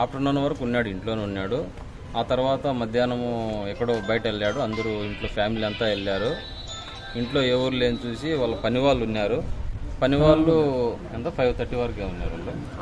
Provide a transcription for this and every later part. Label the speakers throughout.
Speaker 1: Afternoon వరకు ఉన్నాడు, ఇంట్లోనే ఉన్నాడు. ఆ తర్వాత మధ్యాహ్నము ఎక్కడో బయట వెళ్ళాడు. అందరూ ఇంట్లో ఫ్యామిలీ అంతా వెళ్ళారు. ఇంట్లో ఎవరు లేని చూసి వాళ్ళ పని వాళ్ళు ఉన్నారు. పని వాళ్ళు ఎంత 5:30 వరకే ఉన్నారు.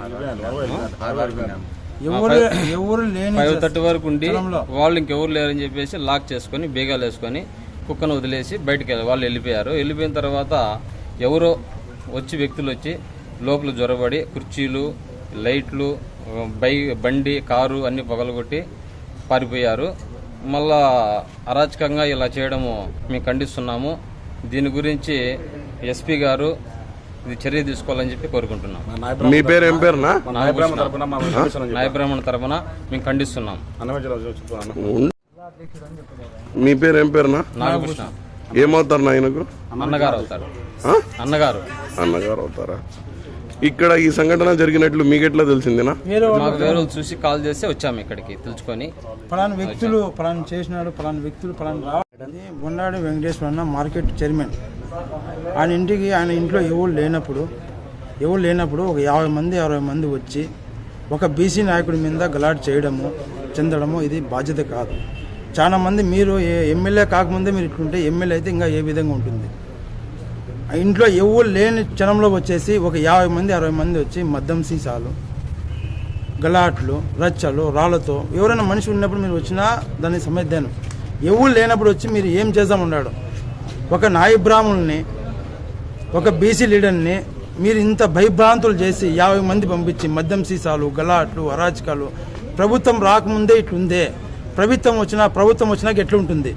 Speaker 1: 5:30 వరకు ఉండి వాళ్ళు ఇంకెవరు లేరని చెప్పేసి లాక్ చేసుకొని బీగాలు వేసుకొని కుక్కను వదిలేసి బయటకు వాళ్ళు వెళ్ళిపోయారు. వెళ్ళిపోయిన తర్వాత ఎవరో వ్యక్తులు వచ్చి లోపల జ్వరబడి కుర్చీలు, లైట్లు, బండి, కారు అన్ని పగలగొట్టి పారిపోయారు. మళ్ళా అరాచకంగా ఇలా చేయడము మేము ఖండిస్తున్నాము. దీని గురించి ఎస్పీ గారు ఇది చర్య తీసుకోవాలని చెప్పి కోరుకుంటున్నాం.
Speaker 2: మీ పేరు ఏం పేరునా?
Speaker 1: నాయబ్రాహ్మణ తరపున మేము ఖండిస్తున్నాం.
Speaker 2: మీ పేరు ఏం పేరునా?
Speaker 1: నాగకృష్ణ.
Speaker 2: ఏమవుతారు నాయనకు?
Speaker 1: అన్నగారు అవుతారు.
Speaker 2: అన్నగారు అవుతారా? ఇక్కడ ఈ సంఘటన జరిగినట్లు మీకెట్లా తెలిసిందేనా?
Speaker 1: మాకు వేరే చూసి కాల్ చేస్తే వచ్చాము ఇక్కడికి తెలుసుకొని.
Speaker 3: పలానా వ్యక్తులు పలానా చేసినాడు, పలానా వ్యక్తులు పలానా రావడానికి బొండాడి వెంకటేశ్వర అన్న మార్కెట్ చైర్మన్. ఆయన ఇంట్లో ఎవరు లేనప్పుడు ఒక 50 మంది 60 మంది వచ్చి ఒక బీసీ నాయకుడి మీద గలాట్ చెందడము ఇది బాధ్యత కాదు. చాలా మంది మీరు ఎమ్మెల్యే కాకముందే మీరు ఇట్లుంటే ఎమ్మెల్యే అయితే ఇంకా ఏ విధంగా ఉంటుంది? ఇంట్లో ఎవరు లేని క్షణంలో వచ్చేసి ఒక 50 మంది 60 మంది వచ్చి మద్యం సీసాలు, గలాట్లు, రచ్చలు, రాళ్లతో ఎవరైనా మనిషి ఉన్నప్పుడు మీరు వచ్చినా దాన్ని సమర్థాను. ఎవరు లేనప్పుడు వచ్చి మీరు ఏం చేద్దామన్నాడు? ఒక నాయ బ్రాహ్మణుల్ని, ఒక బీసీ లీడర్ని మీరు ఇంత భయభ్రాంతులు చేసి 50 మంది పంపించి మద్యం సీసాలు, గలాట్లు, అరాచకాలు. ప్రభుత్వం రాకముందే ఇట్లుందే, ప్రభుత్వం వచ్చినాక ఎట్లుంటుంది?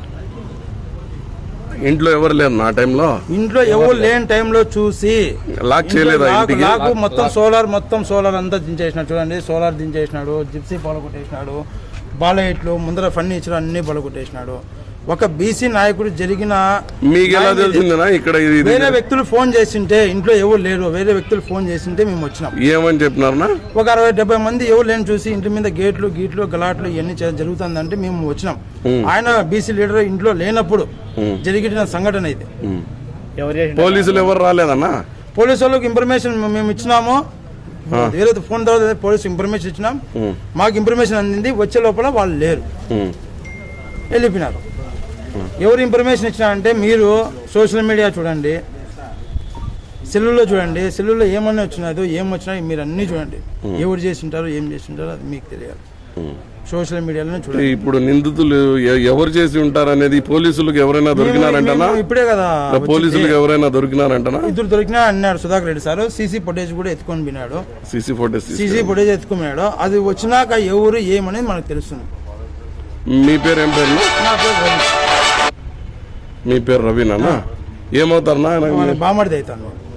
Speaker 2: ఇంట్లో ఎవరు లేరు నా టైంలో?
Speaker 3: ఇంట్లో ఎవరు లేని టైంలో చూసి
Speaker 2: లాక్ చేయలేదు.
Speaker 3: మొత్తం సోలార్ అంతా దించేసినాడు. చూడండి, సోలార్ దించేసినాడు, జిప్సీ పలగొట్టేసినాడు, బాలైట్లు ముందర ఫర్నిచర్ అన్ని పలగొట్టేసినాడు. ఒక బీసీ నాయకుడు జరిగిన
Speaker 2: మీకు ఎలా తెలిసిందేనా? ఇక్కడ
Speaker 3: వేరే వ్యక్తులు ఫోన్ చేసింటే, ఇంట్లో ఎవరు లేరు, వేరే వ్యక్తులు ఫోన్ చేసింటే మేము వచ్చినాం.
Speaker 2: ఏమని చెప్పినారనా?
Speaker 3: ఒక 60-70 మంది ఎవరు లేని చూసి ఇంటి మీద గీట్లు గలాట్లు ఇవన్నీ జరుగుతుందంటే మేము వచ్చినాం. ఆయన బీసీ లీడర్ ఇంట్లో లేనప్పుడు జరిగిన సంఘటన ఇది.
Speaker 2: పోలీసులు ఎవరు రాలేదన్నా?
Speaker 3: పోలీసు వాళ్ళకి ఇన్ఫర్మేషన్ మేము ఇచ్చినాము. వేరే ఫోన్ తర్వాత పోలీసు ఇన్ఫర్మేషన్ ఇచ్చినాం. మాకు ఇన్ఫర్మేషన్ అందింది. వచ్చే లోపల వాళ్ళు లేరు, వెళ్ళిపోయినారు. ఎవరు ఇన్ఫర్మేషన్ ఇచ్చినారంటే మీరు సోషల్ మీడియా చూడండి, సెల్లులో చూడండి. సెల్లులో ఏమన్నా వచ్చినాదో ఏం వచ్చినా మీరు అన్నీ చూడండి. ఎవరు చేసింటారో ఏం చేసింటారో అది మీకు తెలియాలి. సోషల్ మీడియాలోనే చూడండి.
Speaker 2: ఇప్పుడు నిందితులు ఎవరు చేసి ఉంటారు అనేది పోలీసులకు ఎవరైనా దొరికినారంటనా?
Speaker 3: ఇప్పుడే కదా
Speaker 2: పోలీసులకు ఎవరైనా దొరికినారంటనా?
Speaker 3: ఇద్దరు దొరికినా అన్నాడు Sudhakar Reddy sir. CC footage కూడా ఎత్తుకొని పోయినాడు.
Speaker 2: సీసీ
Speaker 3: ఫుటేజ్ ఎత్తుకొని పోయినాడు. అది వచ్చినాక ఎవరు ఏమనేది మనకు తెలుస్తుంది.
Speaker 2: మీ పేరు ఏం పేరు?
Speaker 3: నా పేరు రవి.
Speaker 2: మీ పేరు రవినా? ఏమవుతారన్నా?
Speaker 3: బామడిది అవుతాను.